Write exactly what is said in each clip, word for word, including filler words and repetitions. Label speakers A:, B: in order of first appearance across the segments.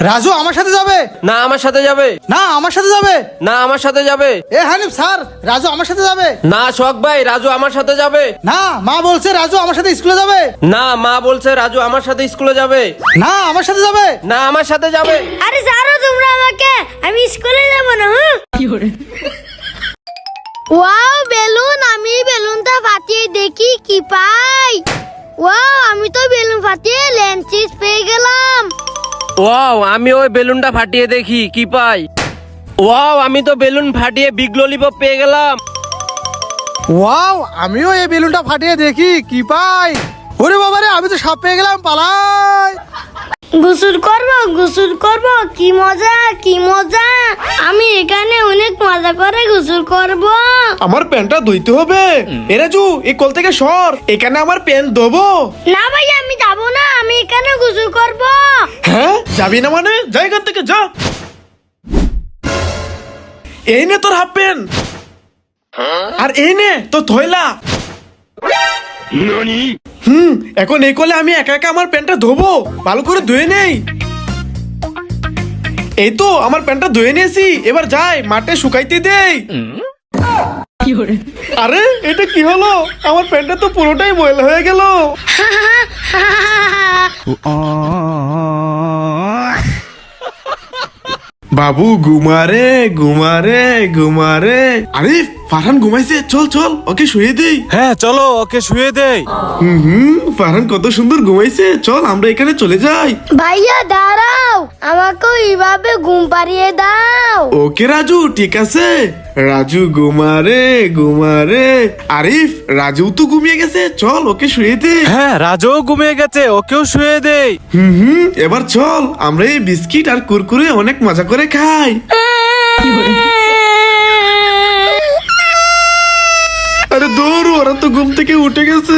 A: রাজু আমার সাথে যাবে
B: না আমার সাথে যাবে
A: না আমার সাথে যাবে
B: না আমার সাথে যাবে
A: এ হানিফ স্যার রাজু আমার সাথে যাবে
B: না শখ ভাই রাজু আমার সাথে যাবে
A: না মা বলছে রাজু আমার সাথে স্কুলে যাবে
B: না মা বলছে রাজু আমার সাথে স্কুলে যাবে
A: না আমার সাথে যাবে
B: না আমার সাথে যাবে
C: আরে ছাড়ো তোমরা আমাকে, আমি স্কুলে যাব না। হ্যাঁ ওয়াও বেলুন, আমি বেলুনটা ফাটিয়ে দেখি কি পাই। ওয়াও আমি তো বেলুন ফাটিয়ে লেন্সিস পেয়ে গেলাম।
B: ওয়াও আমি ওই বেলুনটা ফাটিয়ে দেখি কি পাই। ওয়াও আমি তো বেলুন ফাটিয়ে বিগ ললিপপ পেয়ে গেলাম।
A: ওয়াও আমিও এই বেলুনটা ফাটিয়ে দেখি কি পাই। ওরে বাবারে আমি তো সাপ পেয়ে গেলাম, পালাই।
C: গোসল করব গোসল করব, কি মজা কি মজা। আমি এখানে অনেক মজা করে গোসল করব।
D: আমার প্যান্টটা ধুইতে হবে। এ রাজু এই কল থেকে সর, এখানে আমার প্যান্ট ধোবো।
C: না ভাই আমি যাব না, আমি এখানে গোসল করব।
D: হ্যাঁ যাবি না মানে যা এখান থেকে যা। এই নে তোর হাফ প্যান্ট, আর এই নে তোর থয়লা। হুম এখন এই কলে আমি একা একা আমার প্যান্টটা ধোবো, ভালো করে ধুয়ে নেই। এই তো আমার প্যান্টটা ধুয়ে নিয়েছি, এবার যাই মাঠে শুকাইতে দেই। আরে এটা কি হলো, আমার প্যান্টটা তো পুরোটাই ময়লা হয়ে গেল। বাবু ঘুমারে ঘুমারে ঘুমারে। আরে ফারহান ঘুমাইছে, চল চল ওকে শুয়ে দেই।
E: হ্যাঁ চলো ওকে শুয়ে দেই।
D: হুম হুম ফারহান কত সুন্দর ঘুমাইছে, চল আমরা এখানে চলে যাই।
C: ভাইয়া দাঁড়াও, আমাকে এইভাবে ঘুম পাড়িয়ে দাও।
D: ওকে রাজু ঠিক আছে। রাজু ঘুমারে ঘুমারে। আরিফ রাজু তো ঘুমিয়ে গেছে, চল ওকে শুয়ে দে।
E: হ্যাঁ রাজু ঘুমিয়ে গেছে, ওকেও শুয়ে দেই।
D: হুম হুম এবার চল আমরা এই বিস্কিট আর কুরকুরে অনেক মজা করে খাই। আরে দৌড়, ওরা তো ঘুম থেকে উঠে গেছে।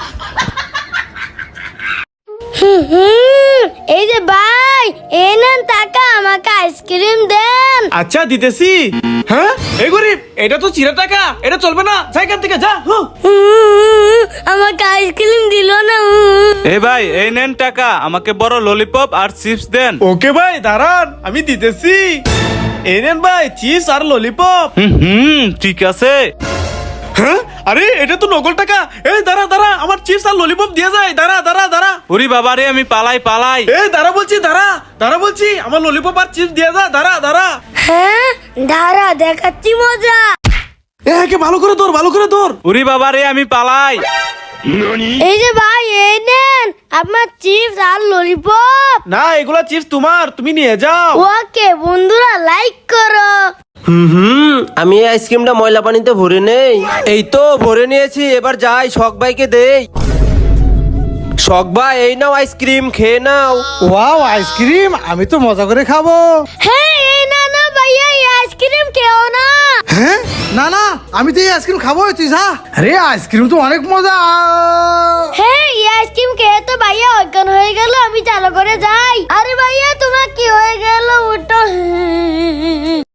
C: হুম, এই যে ভাই এই নেন টাকা, আমাকে আইসক্রিম দেন।
D: আচ্ছা দিতেছি। হ্যাঁ এই গরিব, এটা তো চিরা টাকা, এটা চলবে না, যা এখান থেকে যা। হুঁ।
C: হুম, আমাকে আইসক্রিম দিল না।
E: এই ভাই এই নেন টাকা, আমাকে বড় ললিপপ আর চিপস দেন।
D: ওকে ভাই দাঁড়ান আমি দিতেছি। এই নেন ভাই চিপস আর ললিপপ।
E: হুম হুম ঠিক আছে।
D: হ্যাঁ আরে এটা তো নকল টাকা। এই দাঁড়া দাঁড়া, আমার চিপস আর ললিপপ দিয়ে যায়। দাঁড়া দাঁড়া দাঁড়া।
E: ওরে বাবা রে আমি পালাই পালাই।
D: এই দাঁড়া বলছি, দাঁড়া দাঁড়া বলছি, আমার ললিপপ আর চিপস দিয়ে যা। দাঁড়া দাঁড়া।
C: হ্যাঁ দাঁড়া দেখাচ্ছি মজা।
D: এ কে ভালো করে ধর, ভালো করে ধর।
E: ওরে বাবা রে আমি পালাই।
C: এই যে ভাই এই নেন আপনার চিপস আর ললিপপ।
D: না এগুলা চিপস তোমার, তুমি নিয়ে যাও।
C: ওকে বন্ধুরা লাইক করো।
B: হুম হুম আমি এই আইসক্রিমটা ময়লা পানিতে ভরে নেই। এই তো ভরে নিয়েছি, এবার যাই শখ ভাইকে দেই। শখ ভাই এই নাও আইসক্রিম, খেয়ে নাও।
A: ওয়াও আইসক্রিম, আমি তো মজা করে খাবো।
C: হ্যাঁ এই না না ভাইয়া এই আইসক্রিম খেও না।
A: হ্যাঁ না না আমি তো এই আইসক্রিম খাবো, তুই যা। আরে আইসক্রিম তো অনেক মজা।
C: হ্যাঁ এই আইসক্রিম খেয়ে তো ভাইয়া অজ্ঞান হয়ে গেল, আমি চালু করে যাই। আরে ভাইয়া তোমার কি হয়ে গেল, উঠো।